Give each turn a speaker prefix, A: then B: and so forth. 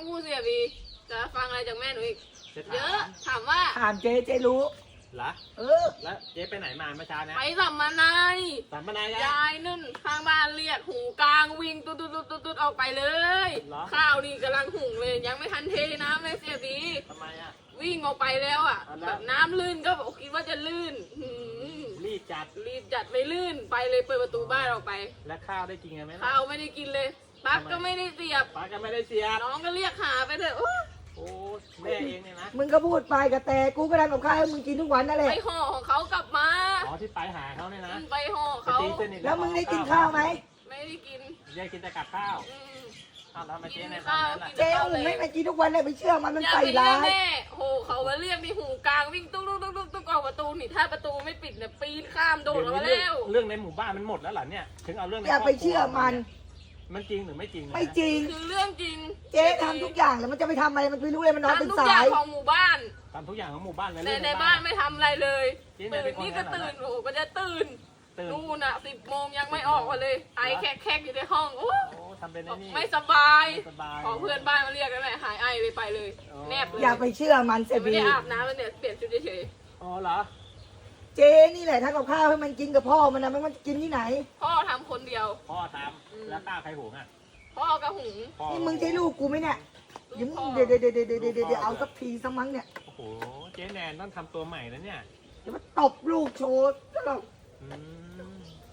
A: พูดเสียบีจะฟังอะไรจากแม่หนูอีก
B: จะ
A: เยอะถามว่า
C: ถามเจ๊รู้
B: เหรอ
C: เออ
B: แล้วเจ๊ไปไหนมาเมื่อเช้านะ
A: ไปสัมมนาย
B: สัมมนาย
A: ยายนึ่นข้างบ้านเรียกหูกลางวิ่งตุ๊ดออกไปเลย
B: เหรอ
A: ข้าวนี่กำลังหุงเลยยังไม่ทันเทน้ำเลยเสียบี
B: ทำไมอ่ะ
A: วิ่งออกไปแล้วอ่ะ
B: เอาละ
A: แบบน้ำลื่นก็บอกคิดว่าจะลื่น
B: รีบจัด
A: รีบจัดไปลื่นไปเลยเปิดประตูบ้านออกไป
B: แล้วข้าวได้กินกันไหมล่ะ
A: ข้าวไม่ได้กินเลยปลั๊กก็ไม่ได้เสียบ
B: ป้าก็ไม่ได้เสียบ
A: น้องก็เรียกหาไปเถอะโอ๊ย
B: โอ้แม่เองเนี่ยนะ
C: มึงก็พูดไปกับแต่กูก็ทำกับข้าวให้มึงกินทุกวันนั่นแหละ
A: ไปห่อของเขากลับมา
B: อ๋อที่ไปหาเขาเนี่ยนะ
A: ไปห่อ
B: ไป
A: เขา
B: ตีสนิท
C: แล้วมึงได้กินข้าวไหม
A: ไม่ได้กิน
B: ยายกินแต่กับข้าว
A: อืม
B: อ้าวแล้วทำไมาเจ๊แนะ
A: ข้าน
B: ำ
A: ว
B: นั้นล่ะ
C: เจ๊อุ้มไม่มากินทุกวันเลยไปเชื่อมัน
A: อย่า
C: ใส่
A: ไปเรี
C: ร้าย
A: ก
C: ย
A: แม่โหเขามาเรียกมีหูกลางวิ่งตุ๊กออกประตูนี่ถ้าประตูไม่ปิดเนี่ยปีนข้ามโดดออกมาแล้ว
B: เรื่องในหมู่บ้านมันหมดแล้วเหรอเนี่ย ถึงเอาเรื่องใน
C: อย่าไปเชื่อมัน
B: มันจริงหรือไม่จริงนะ
C: ไม่จริง
A: คือเรื่องจริง
C: เจ๊ทำทุกอย่างแล้วมันจะไปทำอะไรมันไม่รู้เลยมันนอนเป็น
A: ทำทุก
C: สา
A: อย่าง
C: ย
A: ของหมู่บ้าน
B: ทำทุกอย่างของหมู่บ้านเลย
A: ใน
B: เรื่อง
A: ในบ้านไม่ทำอะไรเลย
B: เจ๊เนี่ย
A: ตื่
B: เป็น นคน
A: นี่ก็
B: ขนาดนั้น
A: ตื่นโอ้โหก็จะตื่น
B: ตื่น
A: นู่นน่ะ10 โมงยังไม่ออกมาเลยไอแคกอยู่ในห้องโอ้
B: โอ้ทำเป็นไอ้นี่
A: ไม่สบาย
B: ไม่สบาย
A: ขอเพื่อนบ้านมาเรียกกันเลยหายไอไปเลย
B: อ๋อ
A: แนบเลย
C: อย่าไปเชื่อมันเสีย
A: ไม่
C: บี
A: ได้อาบน้ำเลยเนี่ยเปลี่ยนชุดเฉย
B: อ๋อเหรอ
C: เจ๊นี่แหละทำกับข้าวให้มันกินกับพ่อมันนะมันกินที่ไหน
A: ๆพ่อทำคนเดียว
B: พ่อทำแล้วข้าวใครหุงอ่ะ
A: พ่อกับหุง
B: พ่อ
C: นี่มึงใช่ลูกกูไหมเนี่ย
A: ลู
C: เดี๋ยว
A: กพ่อ
C: เดี๋ยวเอาสักทีสักมั้งเนี่ย
B: โอ้โห เจ๊แนนต้องทำตัวใหม่แล้วเนี่ย
C: เดี๋ยวมาตบลูกโชว์ซะหรอก
B: อืม